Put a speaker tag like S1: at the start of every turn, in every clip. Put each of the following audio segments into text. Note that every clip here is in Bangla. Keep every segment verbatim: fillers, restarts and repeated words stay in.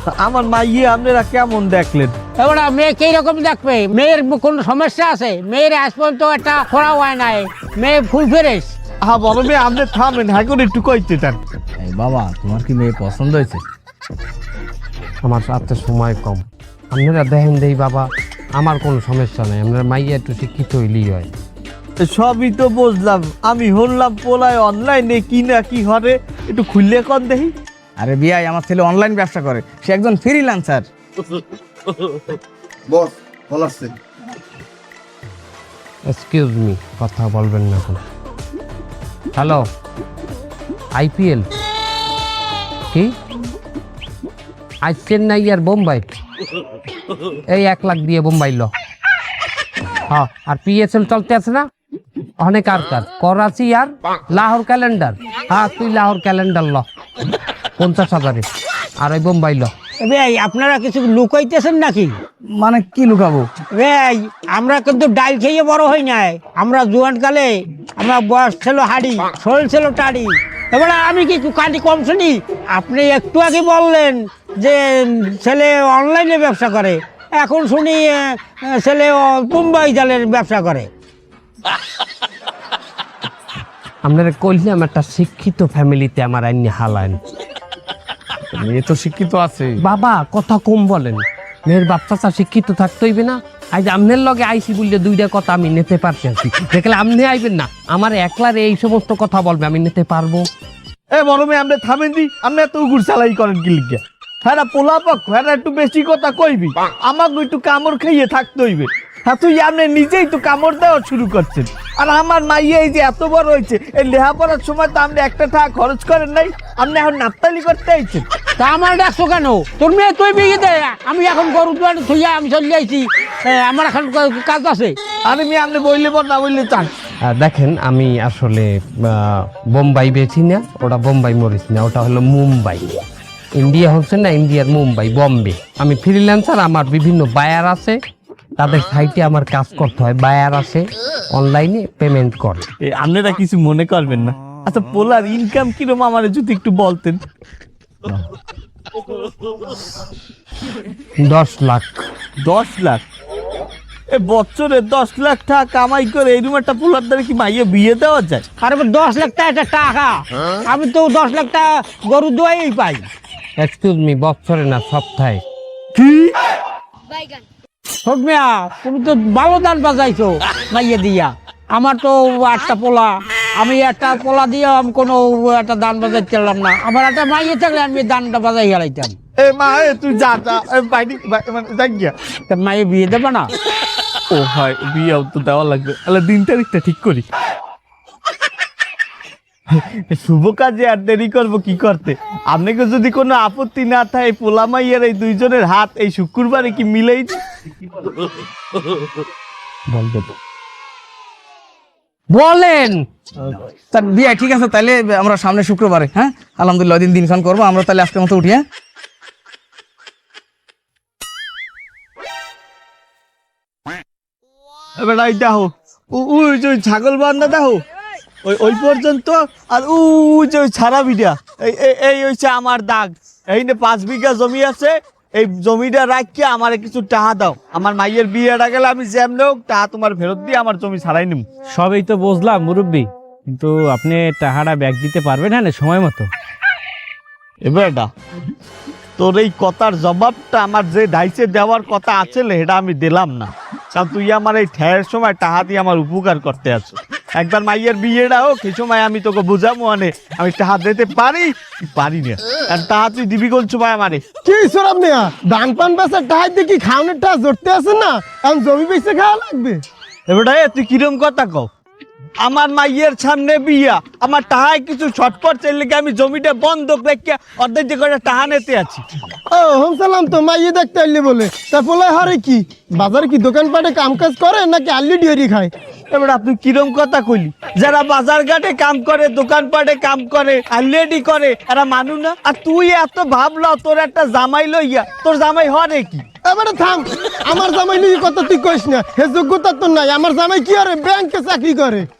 S1: আমার মাইয়ে আপনারা কেমন দেখলেন?
S2: এবার মেয়ে কি রকম দেখবে? মেয়ের কোনো সমস্যা আছে? মেয়ের আজ পর্যন্ত একটা খোড়া হয় নাই, মেয়ে ফুল ফ্রেশ।
S1: হ্যাঁ বড় মেয়ে, আপনি থামেন, হ্যাঁ করে একটু কইতে চান।
S3: এই বাবা, তোমার কি মেয়ে পছন্দ হয়েছে?
S4: আমার হাতে সময় কম, আপনারা দেখেন দেই বাবা, আমার কোনো সমস্যা নেই, আপনারা মাইয়া একটু শিক্ষিত হইলেই হয়।
S1: সবই তো বুঝলাম, আমি হলাম পোলায় অনলাইনে কি না কি হরে, একটু খুললে কন দেখি।
S3: আরে বিয়াই, আমার ছেলে অনলাইন ব্যবসা করে, সে একজন ফ্রিল্যান্সার।
S5: বস ভালো আছে?
S4: এক্সকিউজ মি, কথা বলবেন না এখন। হ্যালো, আইপিএল কি আজ চেন্নাই আর বোম্বাই? এই এক লাখ দিয়ে বোম্বাই ল। হ্যাঁ, আর পিএসএল চলতে আছে না অনেক, আর কার করাচি আর লাহোর ক্যালেন্ডার। হ্যাঁ, তুই লাহোর ক্যালেন্ডার ল পঞ্চাশ হাজারে, আর ওই বোম্বাই ল।
S2: ভাই আপনারা কিছু লুকাইতেছেন নাকি?
S3: মানে কি লুকাবো?
S2: ভাই আমরা কিন্তু ডাল খেয়ে বড় হই নাই, আমরা জোয়ান কালে আমরা বয়স ছিল হাড়ি, শরীর ছিল টাড়ি। এবার আমি কি কাটি কম শুনি? আপনি একটু আগে বললেন যে ছেলে অনলাইনে ব্যবসা করে, এখন শুনি আহ, ছেলে মুম্বাই জালের ব্যবসা করে।
S4: আপনারা কইলাম একটা শিক্ষিত ফ্যামিলিতে আমার আইনি হালান।
S3: মেয়ে তো শিক্ষিত আছে
S4: বাবা, কথা কম বলেন, মেয়ের বাচ্চা শিক্ষিত থাকতে হইবে না? আজ আমনের লগে আইসি বললে দুইটা কথা আমি নিতে পারছি, দেখলে আপনি আইবেন না, আমার একলার এই সমস্ত কথা বলবে, আমি নিতে পারবো?
S1: এ বড় মেয়ে, আপনি থামেন দি, আপনি এত উগুর চালাই করেন কি লিখে? হ্যাঁ পোলা পক্ষ, হ্যাঁ একটু বেশি কথা কইবি, আমাকে একটু কামড় খাইয়ে থাকতে হইবে। হ্যাঁ তুই আপনি নিজেই তো কামড় দেওয়া শুরু করছেন, আর আমার মাইয়ে এই যে এত বড় হয়েছে, এই লেখাপড়ার সময় তো আপনি একটা টাকা খরচ করেন নাই, আপনি এখন নাপতালি করতে আইছেন।
S2: তা আমার ডাকছো কেন? তোর মেয়ে তুই বিয়ে দে, আমি এখন গরু দুয়ারে থইয়া আমি চলে যাইছি, আমার এখন কাজ আছে।
S1: আরে মেয়ে, আপনি বললে বল না বললে চান।
S4: আহ, দেখেন, আমি আসলে আহ, বোম্বাই বেছি না, ওটা বোম্বাই মরিস না, ওটা হলো মুম্বাই। ইন্ডিয়া হচ্ছে না, ইন্ডিয়ার মুম্বাই, বম্বে। আমি ফ্রিল্যান্সার, আমার বিভিন্ন বায়ার আছে, তাদের সাইটে আমার কাজ করতে হয়, বায়ার আছে, অনলাইনে পেমেন্ট করে।
S1: এ আপনারা কিছু মনে করবেন না। আচ্ছা পোলার ইনকাম কিরকম আমার যদি একটু বলতেন।
S4: দশ লাখ।
S1: দশ লাখ? এ বছরে দশ লাখ টাকা কামাই করে এই রুম একটা পোলার দ্বারা কি মাইয়ে বিয়ে দেওয়া যায়?
S2: আর দশ লাখ টাকা একটা টাকা, আমি তো দশ লাখ টাকা গরু দোয়াই পাই।
S4: এক্সকিউজ মি, বছরে না সপ্তাহে।
S1: কি?
S2: ছোট মিয়া, তুমি তো ভালো দান বাজাইছো মাইয়ে দিয়া। আমার তো আটটা পোলা, আমি একটা পোলা দিয়ে আমি কোনো একটা দান বাজাইতে চাইলাম না। আমার একটা মাইয়ে থাকলে আমি দানটা বাজাই হারাইতাম।
S1: এ মা, এ তুই যা যা, এ বাইরে বাই- মানে যাই গিয়া।
S2: তা মাইয়ে বিয়ে দেবে না?
S1: ও হয়, বিয়েও তো দেওয়া লাগবে, তাহলে দিন তারিখটা ঠিক করি। শুভ কাজে আর দেরি করবো কি করতে? আপনাকে যদি কোনো আপত্তি না থাকে, পোলা মাইয়ের এই দুইজনের হাত এই শুক্রবারে কি মিলেই বলবে তো?
S4: বলেন।
S3: তা বিয়া ঠিক আছে, তাহলে আমরা সামনে শুক্রবারে, হ্যাঁ আলহামদুলিল্লাহ দিন দিনক্ষণ করবো আমরা, তাহলে আজকের মতো উঠি। হ্যাঁ
S1: এবার এই দেখো, উ- ওই যে ওই ছাগল বান্ধা দেখো, ওই ওই পর্যন্ত, আর ওই যে ওই ছাড়া বিটা, এই এই- এই হচ্ছে আমার দাগ। এই নে পাঁচ বিঘা জমি আছে, এই জমিটা রাখিয়ে আমার কিছু টাকা দাও, আমার মাইয়ের বিয়েটা গেলে আমি যেমন হোক টাকা তোমার ফেরত দিয়ে আমার জমি ছাড়াই নিব।
S6: সবই তো বুঝলাম মুরব্বী, কিন্তু আপনি টাকাটা ব্যাগ দিতে পারবেন না সময় মতো?
S1: এবারটা তোর এই কথার জবাবটা আমার যে ডাইসে দেওয়ার কথা আছে সেটা আমি দিলাম না, কারণ তুই আমার এই ঠেয়ের সময় টাকা দিয়ে আমার উপকার করতে আছো। একবার মাইয়ের বিয়েটা হোক, সেই সময় আমি তোকে বুঝাবো, মানে আমি টাকা দিতে পারি কি পারি না, আর টাকা তুই দিবি বলছো ভাই আমারে।
S7: কি সরব মিয়া, ধান পান বেচার টাকা দিয়ে কি খাওয়ানোর টাকা জড়তে আছে না? এখন জমি বেচে খাওয়া লাগবে।
S1: এবারে তুই কিরম কথা কও? আমার মাইয়ের সামনে বিয়া, আমার টাহায় কিছু ছটপট চাইলে কি আমি জমিটা বন্ধক রেখে অর্ধেক যে করে টাহা নিতে আছি?
S7: ও হোম সালাম, তো মাইয়ে দেখতে আইলে বলে তা পোলায় হারে কি বাজারে কি দোকানপাটে কাম কাজ করে নাকি আল্লি ডিয়ারি খায়?
S1: এবার আপনি কিরম কথা কইলি? যারা বাজার ঘাটে কাম করে, দোকানপাটে কাম করে, আলরেডি করে, এরা মানু না? আর তুই এত ভাবলো তোর একটা জামাই লইয়া, তোর জামাই হরে কি?
S7: এবারে থাম, আমার জামাই নিয়ে কথা তুই কইস না, হে যোগ্যতা তো নাই। আমার জামাই কি করে? ব্যাংকে চাকরি করে।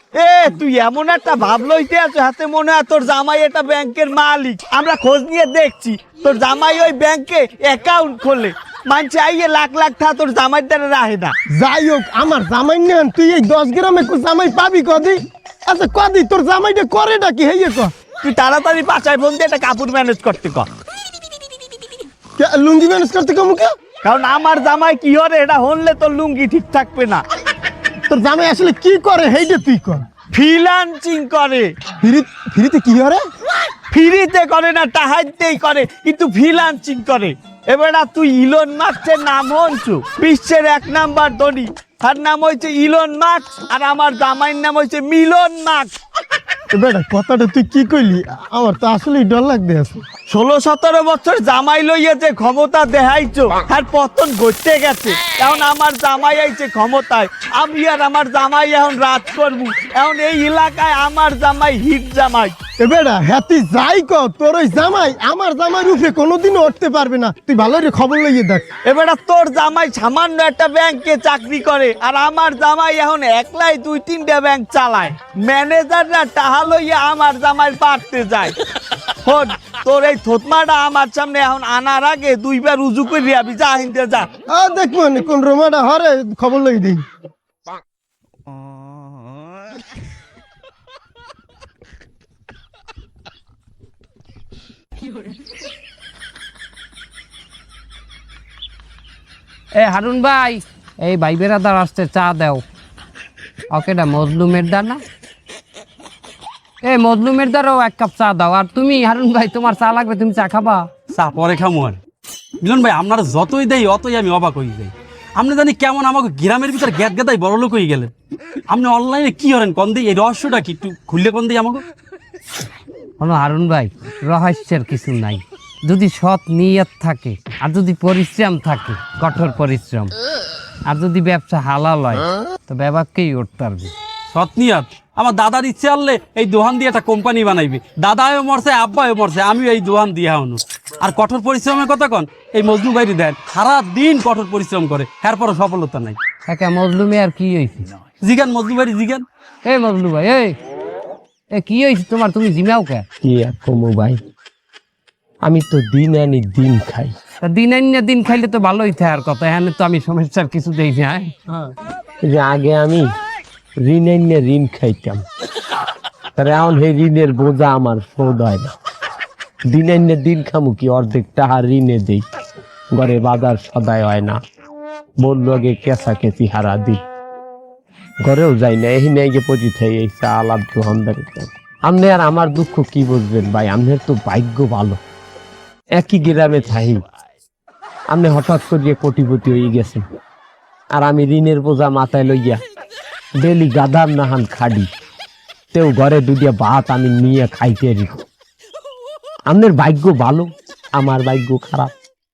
S1: এ তুই এমন একটা ভাব লইতে আছো হাতে মনে হয় তোর জামাই এটা ব্যাংকের মালিক। আমরা খোঁজ নিয়ে দেখছি তোর জামাই ওই ব্যাংকে অ্যাকাউন্ট খোলে, মানছে আইয়ে লাখ লাখ টাকা তোর জামাই দ্বারা রাহে না।
S7: যাই হোক আমার জামাই নেন, তুই এই দশ গ্রামে কো জামাই পাবি কদি? আচ্ছা কদি তোর জামাইটা করে ডাকি হেয়ে ক
S1: তুই তাড়াতাড়ি পাচায় ফোন দিয়ে একটা কাপড় ম্যানেজ করতে কর,
S7: কে- লুঙ্গি ম্যানেজ করতে কমুকে?
S1: কারণ আমার জামাই কি হরে এটা হনলে তোর লুঙ্গি ঠিক থাকবে না।
S7: তোর জামাই আসলে কি করে হেইটা তুই কর।
S1: ফ্রিল্যান্সিং করে,
S7: ফ্রি ফ্রিতে কি হরে?
S1: ফ্রিতে করে না টাহাইতেই করে, কিন্তু ফ্রিল্যান্সিং করে। এবার তুই ইলন মাস্কের নাম হনছু, বিশ্বের এক নাম্বার ধনী, তার নাম হয়েছে ইলন মাস্ক, আর আমার জামাইয়ের নাম হয়েছে মিলন মাস্ক।
S7: বেটা কথাটা তুই কি কইলি? আমার তো আসলেই ডর লাগতে আছে।
S1: ষোলো সতেরো বছর জামাই লইয়া যে ক্ষমতা দেখাইছো আর পতন ঘটতে গেছে, এখন আমার জামাই আইছে ক্ষমতায়, আমি আর আমার জামাই এখন রাজ করবো। এখন এই এলাকায় আমার জামাই হিট জামাই।
S7: এ বেটা হ্যাতি যাই ক, তোর ওই জামাই আমার জামাই রূপে কোনোদিনও উঠতে পারবে না। তুই ভালো করে খবর লইয়ে দেখ।
S1: এবার তোর জামাই সামান্য একটা ব্যাংকে চাকরি করে, আর আমার জামাই এখন একলাই দুই তিনটা ব্যাংক চালায়। ম্যানেজাররা টাহা লইয়া আমার জামাই পারতে যায়। শোন, তোর এই থতমাটা আমার সামনে এখন আনার আগে দুইবার উজু করে আবি, যা হিনতে যা।
S7: আ দেখবো নি কোন রোমাটা হরে খবর লই দিই।
S4: এ হারুন ভাই, এই ভাই বেড়াদার আসতে চা দাও। ওকে না মজলুমের দা না, এ মজলুমের দ্বারাও এক কাপ চা দাও। আর তুমি হারুন ভাই, তোমার চা লাগবে, তুমি চা খাবা?
S5: চা পরে খামু আর। মিলন ভাই আপনারা যতই দেই অতই আমি অবাক হয়ে যাই। আপনি জানি কেমন আমাকে গ্রামের ভিতর গ্যাদ গেদাই বড় লোক হয়ে গেলেন। আপনি অনলাইনে কি করেন কন দিই, এই রহস্যটা কি একটু খুললে কন দিই আমাকে।
S4: হলো হারুন ভাই, রহস্যের কিছু নাই। যদি সৎ নিয়ত থাকে, আর যদি পরিশ্রম থাকে, কঠোর পরিশ্রম, আর যদি ব্যবসা হালাল হয়, তো ব্যবসাকেই উঠতে পারবে।
S5: সৎনিয়াত আমার দাদার ইচ্ছে আনলে এই দোহান দিয়ে একটা কোম্পানি বানাইবে। দাদাও মরছে, আব্বাও মরছে, আমিও এই দোহান দিয়ে হনু। আর কঠোর পরিশ্রমের কথা কন, এই মজনু বাইরে দেন সারা দিন কঠোর পরিশ্রম করে, এরপরও সফলতা নাই।
S4: একা মজলুমে আর কি হয়েছে?
S5: জিগান মজনু বাড়ি জিগান।
S4: এই মজলু ভাই, এই এ কি হয়েছে তোমার? তুমি জিমাও কে?
S6: কি আর কমু ভাই, আমি তো দিন আনি দিন খাই।
S4: তা দিন আনিয়া দিন খাইলে তো ভালোই থাকার কথা। এখানে তো আমি সমস্যার কিছু দেই না।
S6: এই যে আগে আমি ঋণ আনিয়ে ঋণ খাইতাম, তাহলে এখন সেই ঋণের বোঝা আমার শোধ হয় না। দিন আনিয়ে দিন খামু কি, অর্ধেক টাকা ঋণে দেই, ঘরে বাজার সদায় হয় না, বললো আগে কেঁচা কেঁচি হারা দিই, ঘরেও যাই না। এই নিয়ে গিয়ে পচি থাই এই চা আলাদ দোকানদার। আপনি আর আমার দুঃখ কি বুঝবেন ভাই, আপনার তো ভাগ্য ভালো, একই গ্রামে থাই, আপনি হঠাৎ করিয়ে কোটিপতি হয়ে গেছেন, আর আমি ঋণের বোঝা মাথায় লইয়া ডেলি গাদার নাহান খাডি, তেও ঘরে দুটিয়া ভাত আমি নিয়ে খাইতে রি। আপনার ভাগ্য ভালো, আমার ভাগ্য খারাপ।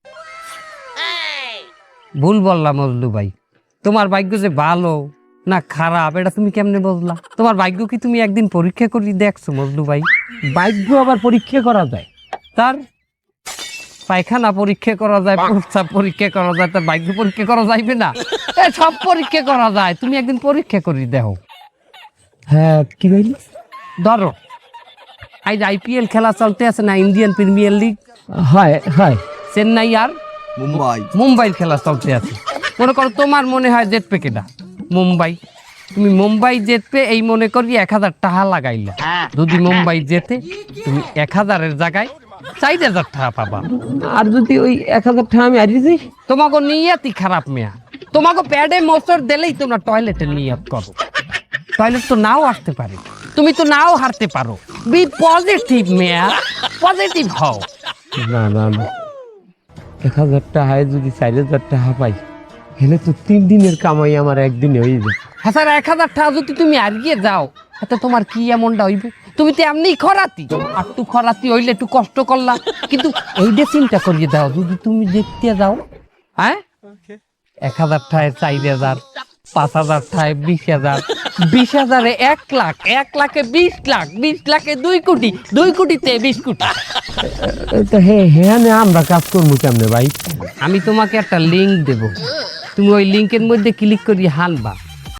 S4: ভুল বললাম মজলু ভাই, তোমার ভাগ্য যে ভালো না খারাপ এটা তুমি কেমনে বুঝলা? তোমার ভাগ্য কি তুমি একদিন পরীক্ষা করে দেখছো মজলু ভাই?
S6: ভাগ্য আবার পরীক্ষা করা যায়?
S4: তার পায়খানা পরীক্ষা করা যায়, প্রস্রাব পরীক্ষা করা যায়, তার ভাগ্য পরীক্ষা করা যাইবে না? এ সব পরীক্ষা করা যায়, তুমি একদিন পরীক্ষা করে দেখো।
S6: হ্যাঁ, কি বলি?
S4: ধরো আজ আইপিএল খেলা চলতে আছে না, ইন্ডিয়ান প্রিমিয়ার লিগ,
S6: হয় হয়
S4: চেন্নাই আর
S3: মুম্বাই।
S4: মুম্বাইয়ের খেলা চলতে আছে। মনে করো তোমার মনে হয় জেতপে কেটা মুম্বাই, তুমি মুম্বাই জেতপে এই মনে করি এক হাজার টাকা লাগাইলা। যদি মুম্বাই জেতে, তুমি এক হাজারের জায়গায় চার হাজার টাকা পাবা।
S6: আর যদি ওই এক হাজার টাকা আমি হারিয়ে যাই?
S4: তোমাকে নিয়তই খারাপ মেয়া, তোমাকে প্যাডে মোচড় দিলেই তোমরা টয়লেটে নিয়ত করো। টয়লেট তো নাও আসতে পারে, তুমি তো নাও হারতে পারো। বি পজিটিভ মেয়া, পজিটিভ হও।
S6: না না না, এক হাজার টাকায় যদি চার হাজার টাকা পাই, হেলে তো তিন দিনের কামাই আমার একদিনে হয়ে যায়।
S4: হ্যাঁ স্যার, এক হাজার টাকা যদি তুমি হারিয়ে যাও, এতে তোমার কি এমনটা হইবে? তুমি তো এমনি খরাতি, আর একটু খরাতি হইলে একটু কষ্ট করলা, কিন্তু এইটা চিন্তা করিয়ে দাও, যদি তুমি দেখতে যাও, হ্যাঁ এক হাজার টাকায় চার হাজার, পাঁচ হাজার টাকায় বিশ হাজার, বিশ হাজারে এক লাখ, এক লাখে বিশ লাখ, বিশ লাখে দুই কোটি, দুই কোটিতে বিশ কোটি।
S6: তো হ্যাঁ হ্যাঁ, আমরা কাজ করবো কেমনে ভাই?
S4: আমি তোমাকে একটা লিঙ্ক দেব, তুমি ওই লিঙ্কের মধ্যে ক্লিক করিয়ে হানবা,